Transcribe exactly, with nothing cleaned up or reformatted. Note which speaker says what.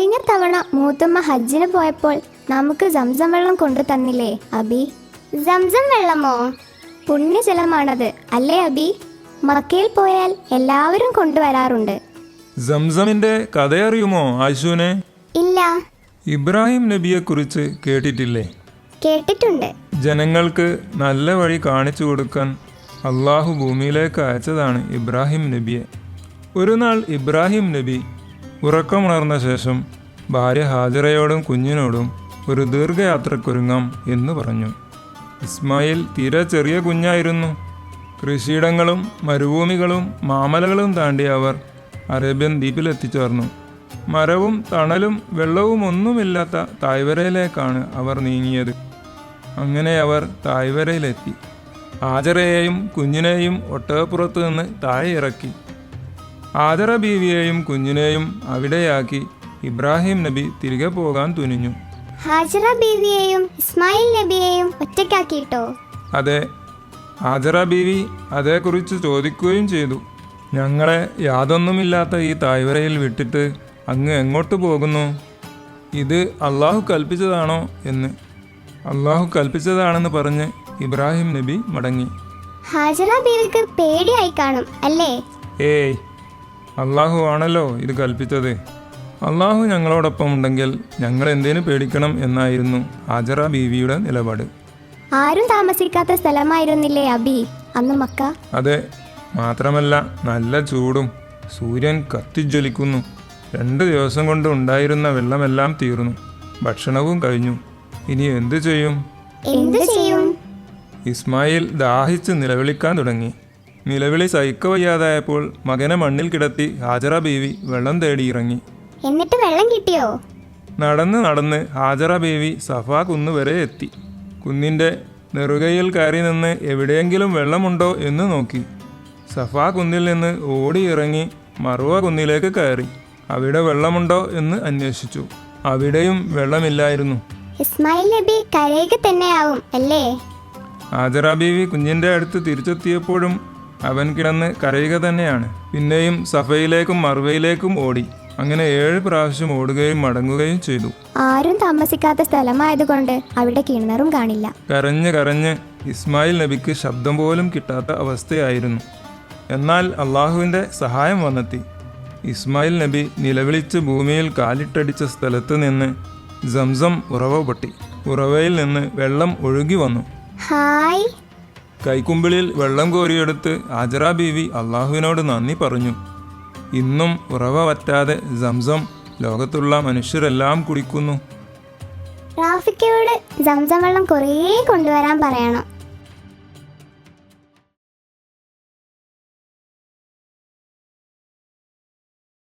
Speaker 1: കഴിഞ്ഞ തവണ മൂത്തമ്മ ഹജ്ജിന് പോയപ്പോൾ നമുക്ക് സംസം വെള്ളം കൊണ്ടു തന്നില്ലേ അബി?
Speaker 2: സംസം വെള്ളമോ?
Speaker 1: പുണ്യജലമാണത് അല്ലേ അബി? മക്കയിൽ പോയാൽ എല്ലാവരും കൊണ്ടുവരാറുണ്ട്.
Speaker 3: സംസമിന്റെ കഥയറിയുമോ ആയിഷൂനെ?
Speaker 2: ഇല്ല.
Speaker 3: ഇബ്രാഹിം നബിയെ കുറിച്ച് കേട്ടിട്ടില്ലേ?
Speaker 2: കേട്ടിട്ടുണ്ട്.
Speaker 3: ജനങ്ങൾക്ക് നല്ല വഴി കാണിച്ചു കൊടുക്കാൻ അള്ളാഹു ഭൂമിയിലേക്ക് അയച്ചതാണ് ഇബ്രാഹിം നബിയെ. ഒരു നാൾ ഇബ്രാഹിം നബി ഉറക്കമുണർന്ന ശേഷം ഭാര്യ ഹാജറയോടും കുഞ്ഞിനോടും ഒരു ദീർഘയാത്രക്കൊരുങ്ങാം എന്ന് പറഞ്ഞു. ഇസ്മായിൽ തീരെ ചെറിയ കുഞ്ഞായിരുന്നു. കൃഷിയിടങ്ങളും മരുഭൂമികളും മാമലകളും താണ്ടി അവർ അറേബ്യൻ ദ്വീപിലെത്തിച്ചേർന്നു. മരവും തണലും വെള്ളവും ഒന്നുമില്ലാത്ത തായ്വരയിലേക്കാണ് അവർ നീങ്ങിയത്. അങ്ങനെ അവർ തായ്വരയിലെത്തി. ഹാജറയെയും കുഞ്ഞിനെയും ഒട്ടകപ്പുറത്ത് നിന്ന് താഴെ ഇറക്കി. ഹാജറ ബീവിയെയും കുഞ്ഞിനെയും അവിടെയാക്കി ഇബ്രാഹിം നബി തിരികെ പോകാൻ തുനിഞ്ഞു.
Speaker 2: ഹാജറ ബീവിയെയും ഇസ്മായിൽ നബിയെയും ഒറ്റയ്ക്കാക്കിയിട്ടോ?
Speaker 3: അതെ. ഹാജറ ബീവി അതേക്കുറിച്ച് ചോദിക്കുകയും ചെയ്തു. ഞങ്ങളെ യാതൊന്നുമില്ലാത്ത ഈ തായ്വരയിൽ വിട്ടിട്ട് അങ്ങ് എങ്ങോട്ട് പോകുന്നു? ഇത് അള്ളാഹു കൽപ്പിച്ചതാണോ എന്ന്. അള്ളാഹു കൽപ്പിച്ചതാണെന്ന് പറഞ്ഞ് ഇബ്രാഹിം നബി മടങ്ങി.
Speaker 2: ഹാജറ ബീവിക്ക് പേടിയായി കാണും അല്ലേ?
Speaker 3: ഏയ്, അള്ളാഹു ആണല്ലോ ഇത് കൽപ്പിച്ചത്. അള്ളാഹു ഞങ്ങളോടൊപ്പം ഉണ്ടെങ്കിൽ ഞങ്ങൾ എന്തിനു പേടിക്കണം എന്നായിരുന്നു ഹാജറ ബീവിയുടെ നിലപാട്.
Speaker 1: ആരും താമസിക്കാത്ത സ്ഥലമായിരുന്നില്ലേ അബി അന്ന് മക്ക?
Speaker 3: അതെ. മാത്രമല്ല നല്ല ചൂടും. സൂര്യൻ കത്തിജ്വലിക്കുന്നു. രണ്ട് ദിവസം കൊണ്ട് ഉണ്ടായിരുന്ന വെള്ളമെല്ലാം തീർന്നു. ഭക്ഷണവും കഴിഞ്ഞു. ഇനി എന്തു ചെയ്യും?
Speaker 2: എന്തു ചെയ്യും?
Speaker 3: ഇസ്മായിൽ ദാഹിച്ച് നിലവിളിക്കാൻ തുടങ്ങി. നിലവിളി സഹിക്കവയ്യാതായപ്പോൾ മകനെ മണ്ണിൽ കിടത്തി ഹാജറ ബീവി വെള്ളം തേടി ഇറങ്ങി.
Speaker 2: എന്നിട്ട് വെള്ളം കിട്ടിയോ?
Speaker 3: നടന്ന് നടന്ന് ഹാജറ ബീവി സഫാ കുന്ന് വരെ എത്തി. കുന്നിൻ്റെ നെറുകയിൽ കയറി നിന്ന് എവിടെയെങ്കിലും വെള്ളമുണ്ടോ എന്ന് നോക്കി. സഫാ കുന്നിൽ നിന്ന് ഓടിയിറങ്ങി മറുവ കുന്നിലേക്ക് കയറി. അവിടെ വെള്ളമുണ്ടോ എന്ന് അന്വേഷിച്ചു. അവിടെയും വെള്ളമില്ലായിരുന്നു.
Speaker 2: ഇസ്മായിൽ നബി കരയുക തന്നെയാവും അല്ലേ?
Speaker 3: ഹാജറ ബീവി കുഞ്ഞിൻ്റെ അടുത്ത് തിരിച്ചെത്തിയപ്പോഴും അവൻ കിടന്ന് കരയുക തന്നെയാണ്. പിന്നെയും സഫയിലേക്കും മറുവയിലേക്കും ഓടി. അങ്ങനെ ഏഴ് പ്രാവശ്യം ഓടുകയും മടങ്ങുകയും ചെയ്തു.
Speaker 1: ആരും താമസിക്കാത്ത സ്ഥലമായതുകൊണ്ട് അവിടെ കിണറും കാണില്ല.
Speaker 3: കരഞ്ഞ് കരഞ്ഞ് ഇസ്മായിൽ നബിക്ക് ശബ്ദം പോലും കിട്ടാത്ത അവസ്ഥയായിരുന്നു. എന്നാൽ അള്ളാഹുവിൻ്റെ സഹായം വന്നെത്തി. ഇസ്മായിൽ നബി നിലവിളിച്ച് ഭൂമിയിൽ കാലിട്ടടിച്ച സ്ഥലത്ത് നിന്ന് സംസം ഉറവ പൊട്ടി. ഉറവയിൽ നിന്ന് വെള്ളം ഒഴുകി വന്നു.
Speaker 2: ഹായ്.
Speaker 3: കൈക്കുമ്പിളിൽ വെള്ളം കോരിയെടുത്ത് ഹാജറ ബീവി അള്ളാഹുവിനോട് നന്ദി പറഞ്ഞു. ഇന്നും ഉറവ വറ്റാതെ സംസം ലോകത്തുള്ള മനുഷ്യരെല്ലാം കുടിക്കുന്നു.
Speaker 2: റാഫിക്കയോട് സംസം വെള്ളം കുറേ കൊണ്ടുവരാൻ പറയണം.